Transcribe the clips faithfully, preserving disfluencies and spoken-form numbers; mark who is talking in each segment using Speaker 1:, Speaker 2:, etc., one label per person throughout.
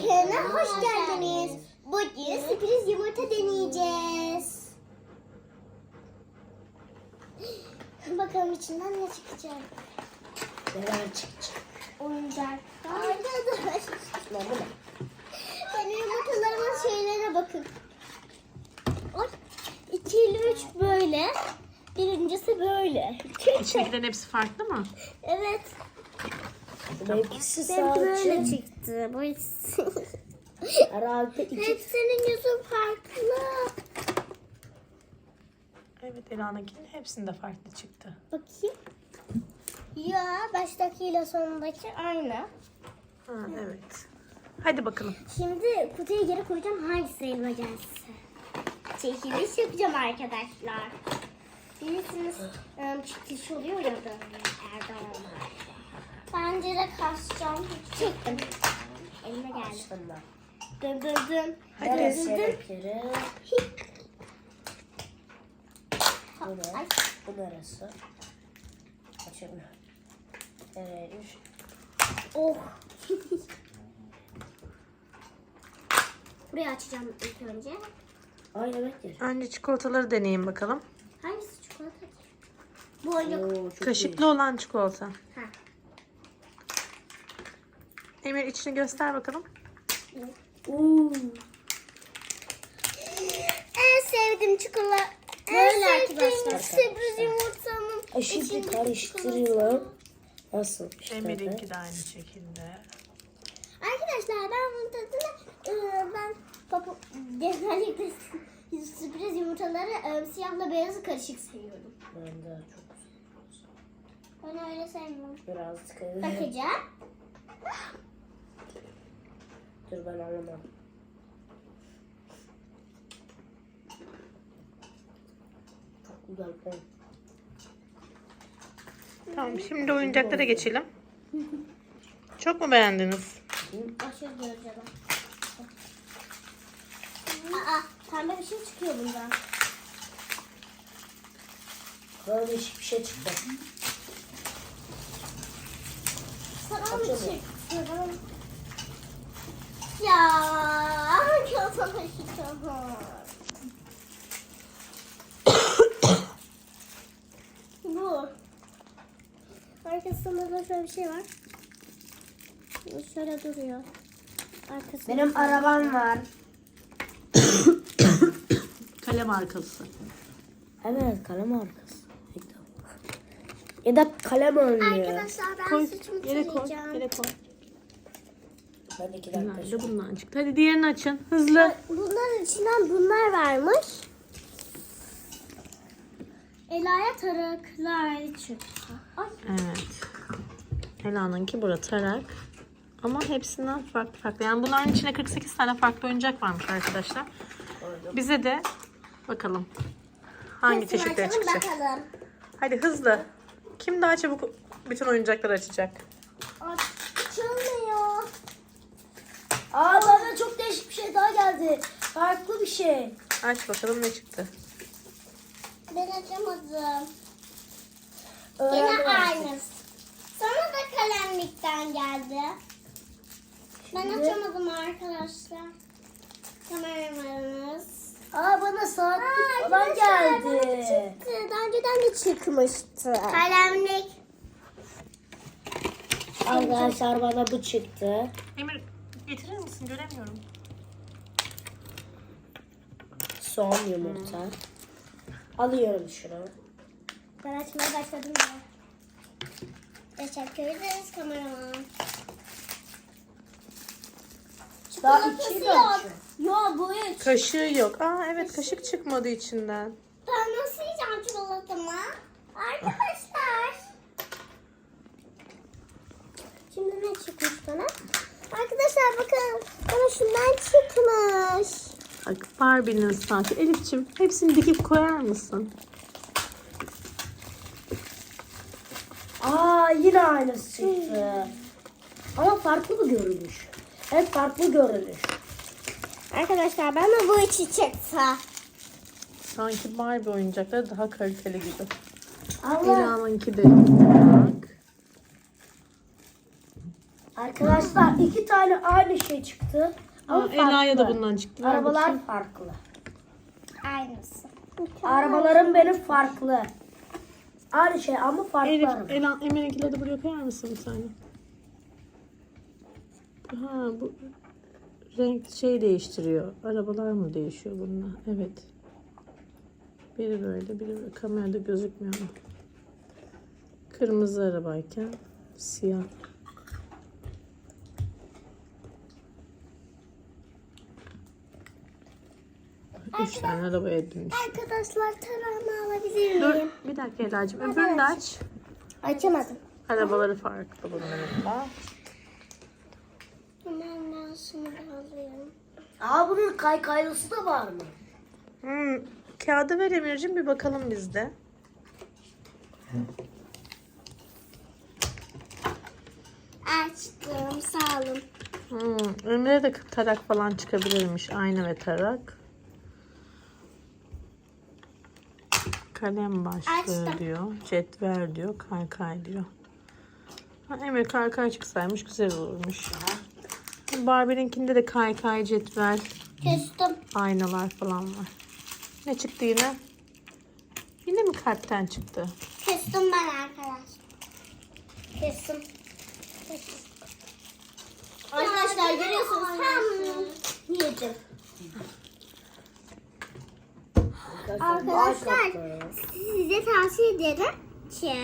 Speaker 1: kanalına hoş geldiniz. Bugün sürpriz yumurta deneyeceğiz. Bakalım içinden ne çıkacak?
Speaker 2: Neler çıkacak?
Speaker 1: Oyuncaklar. Ne bu ne? Benim yumurtalarımın şeylere bakın. Oy. iki ile üç böyle. Birincisi böyle.
Speaker 3: İçindekilerin hepsi farklı mı?
Speaker 1: Evet.
Speaker 2: Benimkisi
Speaker 1: Benimki böyle
Speaker 2: sadece
Speaker 1: çıktı. Bu ikisi.
Speaker 2: herhalde iki.
Speaker 1: Hepsinin yüzü farklı.
Speaker 3: Evet, Ela'nınkinin hepsinde farklı çıktı.
Speaker 1: Bakayım. Ya baştakiyle sonundaki aynı.
Speaker 3: Ha, evet. Hadi bakalım.
Speaker 1: Şimdi kutuyu geri koyacağım. Hangisi elma gelsin? Çekiliş yapacağım arkadaşlar. Bilirsiniz ıı, çekiliş oluyor ya da Erdoğan'la. Bence de kasacağım. Çektim. Elime geldi. Dön dön dön.
Speaker 3: Hadi.
Speaker 1: Dön
Speaker 2: Neresi
Speaker 1: dön dön.
Speaker 2: elektriği? Bu ne?
Speaker 1: Ay.
Speaker 2: Bu neresi? Açayım. Evet. üç.
Speaker 1: Oh. Burayı açacağım ilk önce.
Speaker 2: Ay evet ya.
Speaker 3: Önce çikolataları deneyin bakalım.
Speaker 1: Hangisi çikolata ki? Bu oyuncak.
Speaker 2: Oo, çok
Speaker 3: Kaşıklı olan çikolata.
Speaker 1: Ha.
Speaker 3: Emir, içini göster bakalım.
Speaker 2: Oo.
Speaker 1: En sevdiğim çikolata.
Speaker 2: Böyle
Speaker 1: en sevdiğim
Speaker 2: arkadaşlar.
Speaker 1: sürpriz yumurtamın
Speaker 2: E şimdi
Speaker 1: içindeki
Speaker 2: karıştırıyorum. Nasıl işte?
Speaker 3: Emir'inki de aynı şekilde.
Speaker 1: Arkadaşlar ben bunun tadını ıı, ben papa, genellikle sürpriz yumurtaları ıı, siyahla beyazı karışık seviyorum.
Speaker 2: Ben de çok güzel.
Speaker 1: Ben öyle sevmiyorum.
Speaker 2: Birazcık.
Speaker 1: Bakacağım.
Speaker 2: Dur ben anlamam. Çok güzel. Ben.
Speaker 3: Tamam, şimdi oyuncaklara geçelim. Çok mu beğendiniz?
Speaker 1: Aşırı güzel. Aa, pembe bir şey çıkıyor bundan.
Speaker 2: Böyle değişik bir şey çıktı.
Speaker 1: Sana mı
Speaker 2: Açalım.
Speaker 1: çıktı? Ya, kötü çıktı. Bu. Arkasında da şöyle bir şey var. Şöyle duruyor. Arkasında
Speaker 2: Benim arabam var.
Speaker 3: Kalem arkası.
Speaker 2: Evet kalem arkası. Ya da kalem önlüğü.
Speaker 1: Arkadaşlar ben
Speaker 3: Koy,
Speaker 1: saçımı
Speaker 3: yere koy,
Speaker 1: tarayacağım.
Speaker 3: yere koy.
Speaker 2: Ben iki dakika.
Speaker 3: Bunlar da bundan çıktı. Hadi diğerini açın, hızlı.
Speaker 1: Bunların içinden bunlar varmış. Ela'ya taraklar çıktı. Ay.
Speaker 3: Evet. Ela'nınki burada tarak. Ama hepsinden farklı farklı. Yani bunların içinde kırk sekiz tane farklı oyuncak varmış arkadaşlar. Bize de bakalım hangi
Speaker 1: Hepsini
Speaker 3: çeşitleri
Speaker 1: açalım
Speaker 3: çıkacak.
Speaker 1: bakalım.
Speaker 3: Hadi hızlı. Kim daha çabuk bütün oyuncakları açacak?
Speaker 1: Açılmıyor.
Speaker 2: Aa bana çok değişik bir şey daha geldi. Farklı bir şey.
Speaker 3: Aç bakalım ne çıktı.
Speaker 1: Ben açamadım.
Speaker 2: Öğrendim
Speaker 1: Yine
Speaker 2: artık.
Speaker 1: aynısı. Sana da kalemlikten geldi. Ben
Speaker 2: Şimdi-
Speaker 1: açamadım arkadaşlar. Kameramanımız.
Speaker 2: Aa bana saatlik
Speaker 1: Aa,
Speaker 2: falan
Speaker 1: arkadaşlar, bana
Speaker 2: geldi.
Speaker 1: çıktı. Daha önceden de çıkmıştı. Kalemlik.
Speaker 2: Arkadaşlar bana bu çıktı.
Speaker 3: Emir, getirir misin? Göremiyorum.
Speaker 2: Son yumurta. Alıyorum şunu.
Speaker 1: Ben açmaya başladım ya. Teşekkür ederiz kameraman.
Speaker 2: Daha
Speaker 1: Çikolatası
Speaker 2: iki
Speaker 1: yok.
Speaker 2: yok.
Speaker 1: Yok bu üç.
Speaker 3: Kaşığı yok. Aa evet, kaşık çıkmadı içinden.
Speaker 1: Ben nasıl yiyeceğim çikolatamı? Arkadaşlar. Şimdi ne çıkmış bana? Arkadaşlar bakın. Bana şundan çıkmış.
Speaker 3: Bak, Barbie'nin saati. Elif'ciğim, hepsini dikip koyar mısın?
Speaker 2: Aa yine aynısı çıktı. Ama farklı bir görünüş. Hep farklı görünüş.
Speaker 1: Arkadaşlar bana bu içi çıktı.
Speaker 3: Sanki Barbie oyuncakları daha kaliteli gibi.
Speaker 2: Allah.
Speaker 3: Ela'nınki de bak.
Speaker 2: Arkadaşlar iki tane aynı şey çıktı. Ama
Speaker 3: Aa, Ela'ya da
Speaker 2: farklı.
Speaker 3: bundan çıktı. Ver
Speaker 2: Arabalar
Speaker 3: bakayım.
Speaker 2: farklı.
Speaker 1: Aynısı.
Speaker 2: Arabalarım benim farklı. Aynı şey ama farklı
Speaker 3: Elif,
Speaker 2: araba.
Speaker 3: Ela, Emir'inkileri de buraya koyar mısın bir saniye? Ha, bu renk şey değiştiriyor. Arabalar mı değişiyor bununla? Evet. Biri böyle, biri böyle. Kamerada gözükmüyor ama. Kırmızı arabayken siyah. Üç tane arabaya dönüş.
Speaker 1: Arkadaşlar tarağımı alabilir
Speaker 3: Dur
Speaker 1: miyim?
Speaker 3: bir dakika Ela'cığım. Öbürünü de aç.
Speaker 1: Açamadım.
Speaker 3: Arabaları farklı bunların da.
Speaker 1: Hemen ben şunu da alayım.
Speaker 2: Aa bunun kaykaylısı da var mı?
Speaker 3: Hmm, kağıdı ver Emir'cim bir bakalım biz de.
Speaker 1: Açtım. Sağ olun.
Speaker 3: Hmm, Emre'ye de tarak falan çıkabilirmiş. Ayna ve tarak. Kalem başlığı
Speaker 1: Açtım.
Speaker 3: diyor. Cetvel diyor. Kaykay diyor. Ha, Emre kaykay çıksaymış güzel olurmuş. Barbie'ninkinde de kaykay, cetvel,
Speaker 1: Kestim.
Speaker 3: aynalar falan var. Ne çıktı yine? Yine mi kalpten çıktı?
Speaker 1: Kestim ben arkadaşlar. Kestim. Arkadaşlar görüyorsunuz tam yedim. Arkadaşlar size tavsiye ederim ki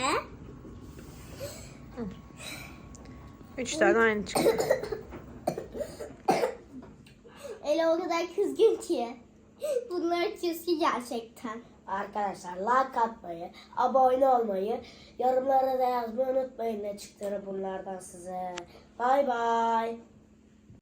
Speaker 3: Üç tane aynı çıktı.
Speaker 1: Ela o kadar kızgın ki. Bunları çizgi gerçekten.
Speaker 2: Arkadaşlar like atmayı, abone olmayı, yorumlara da yazmayı unutmayın ne çıktığını bunlardan size. Bay bay.